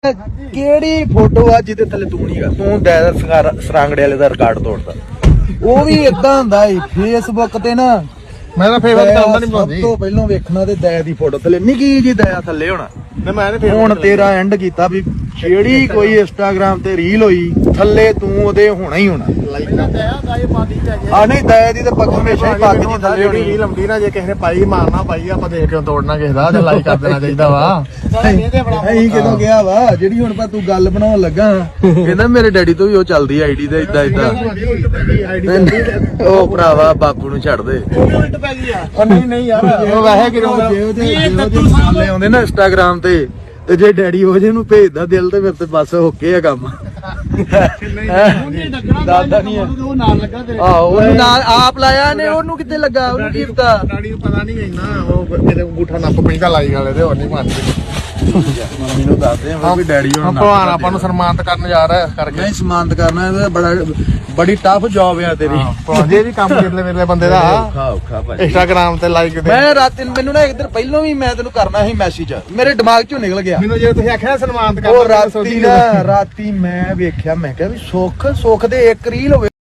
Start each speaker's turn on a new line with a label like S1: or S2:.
S1: ਕਿਹੜੀ ਫੋਟੋ ਆ ਜਿਹਦੇ ਥੱਲੇ ਤੂੰ ਨਹੀਂ ਗਾ, ਤੂੰ ਸਰਾਂਗੜੇ ਵਾਲੇ ਦਾ ਰਿਕਾਰਡ ਤੋੜਦਾ। ਉਹ ਵੀ ਇਦਾਂ ਹੁੰਦਾ ਏ ਫੇਸਬੁੱਕ ਤੇ ਨਾ,
S2: ਮੈਂ ਤਾਂ ਫੇਵਰ ਕਰਦਾ ਨਹੀਂ ਪਾਉਂਦੀ।
S1: ਸਭ ਤੋਂ ਪਹਿਲਾਂ ਵੇਖਣਾ ਤੇ ਦਇਆ ਦੀ ਫੋਟੋ ਥੱਲੇ ਨਿੱਕੀ ਜੀ ਦਇਆ ਥੱਲੇ ਹੋਣਾ। ਹੁਣ ਤੇਰਾ ਐਂਡ ਕੀਤਾ ਵੀ ਜਿਹੜੀ ਕੋਈ ਇੰਸਟਾਗ੍ਰਾਮ ਤੇ ਰੀਲ ਹੋਈ ਥੱਲੇ ਤੂੰ ਉਹਦੇ ਹੋਣਾ ਹੀ ਹੋਣਾ। ਆ ਨਹੀਂ ਦਇਆ ਦੀ ਤੇ ਪੱਗ ਹਮੇਸ਼ਾ ਹੀ ਪੱਗ ਦੀ ਥੱਲੇ ਹੋਣੀ।
S2: ਰੀਲ ਲੰਬੀ ਨਾ ਜੇ ਕਿਸੇ ਨੇ ਪਾਈ ਮਾਰਨਾ ਪਾਈ ਆਪਾਂ ਦੇਖ ਕੇ ਤੋੜਨਾ ਕਿਸੇ ਦਾ ਤੇ ਲਾਈਕ ਕਰ ਦੇਣਾ ਚਾਹੀਦਾ ਵਾ।
S1: ਅਸੀਂ ਕਿਦੋਂ ਗਿਆ ਵਾ ਜਿਹੜੀ ਹੁਣ ਤੂੰ ਗੱਲ ਬਣਾਉਣ ਲੱਗਾ ਕਹਿੰਦਾ ਮੇਰੇ ਡੈਡੀ ਤੋਂ ਵੀ ਉਹ ਚੱਲਦੀ ਆਈਡੀ ਤੇ ਇਦਾਂ ਇਦਾਂ। ਉਹ ਭਰਾਵਾ ਬਾਪੂ ਨੂੰ ਛੱਡ ਦੇ।
S2: ਨਹੀਂ ਯਾਰ ਉਹ ਵੈਸੇ ਕਿਉਂ
S1: ਸਾਲੇ ਆਉਂਦੇ ਨਾ ਇੰਸਟਾਗ੍ਰਾਮ ਤੇ ਜੇ ਡੈਡੀ ਉਹ ਜੇ ਨੂੰ ਭੇਜਦਾ ਦਿਲ ਤੇ ਫਿਰ ਤੇ ਬਸ ਓਕੇ ਆ ਕੰਮ। ਦਾਦਾ ਨਹੀਂ ਉਹ ਨਾਲ ਲੱਗਾ ਤੇਰੇ। ਆਹੋ ਉਹਨੂੰ ਨਾਲ ਆਪ ਲਾਇਆ ਨੇ, ਉਹਨੂੰ ਕਿੱਥੇ ਲੱਗਾ, ਉਹਨੂੰ ਕੀ ਪਤਾ।
S2: ਡੈਡੀ ਨੂੰ ਪਤਾ ਨਹੀਂ ਇੰਨਾ, ਉਹ ਕਿਤੇ ਅੰਗੂਠਾ ਨੱਪ ਪੈਂਦਾ ਲਾਈ ਵਾਲੇ ਤੇ ਹੋਰ ਨਹੀਂ ਮੰਨਦੇ।
S1: ਮੰਮੀ ਨੂੰ ਦੱਸਦੇ ਆ ਵੀ ਡੈਡੀ ਹੁਣ
S2: ਭਗਵਾਨ ਆਪਾਂ ਨੂੰ ਸਨਮਾਨਿਤ ਕਰਨ ਜਾ ਰਿਹਾ ਕਰਕੇ।
S1: ਨਹੀਂ ਸਨਮਾਨਿਤ ਕਰਨਾ ਇਹ ਬੜੀ ਟਫ ਜੌਬ ਆ ਤੇਰੀ।
S2: ਜੇ ਵੀ ਕੰਮ ਕਿਰਲੇ ਵੇਲੇ ਬੰਦੇ ਦਾ
S1: ਔਖਾ ਭਾਈ।
S2: ਇੰਸਟਾਗ੍ਰਾਮ ਤੇ ਲਾਈਕ
S1: ਮੈਂ ਰਾਤ ਮੈਨੂੰ ਨਾ ਇੱਕ ਦਿਨ ਪਹਿਲਾਂ ਵੀ ਮੈਂ ਤੈਨੂੰ ਕਰਨਾ ਸੀ ਮੈਸੇਜ, ਮੇਰੇ ਦਿਮਾਗ ਚੋਂ ਨਿਕਲ ਗਿਆ।
S2: ਮੈਨੂੰ ਜੇ ਤੁਸੀਂ ਆਖਿਆ ਸਨਮਾਨਿਤ
S1: ਉਹ ਰਾਤੀ ਮੈਂ ਵੇਖਿਆ, ਮੈਂ ਕਿਹਾ ਵੀ ਸੁੱਖ ਦੇ ਇੱਕ ਰੀਲ ਹੋਵੇ।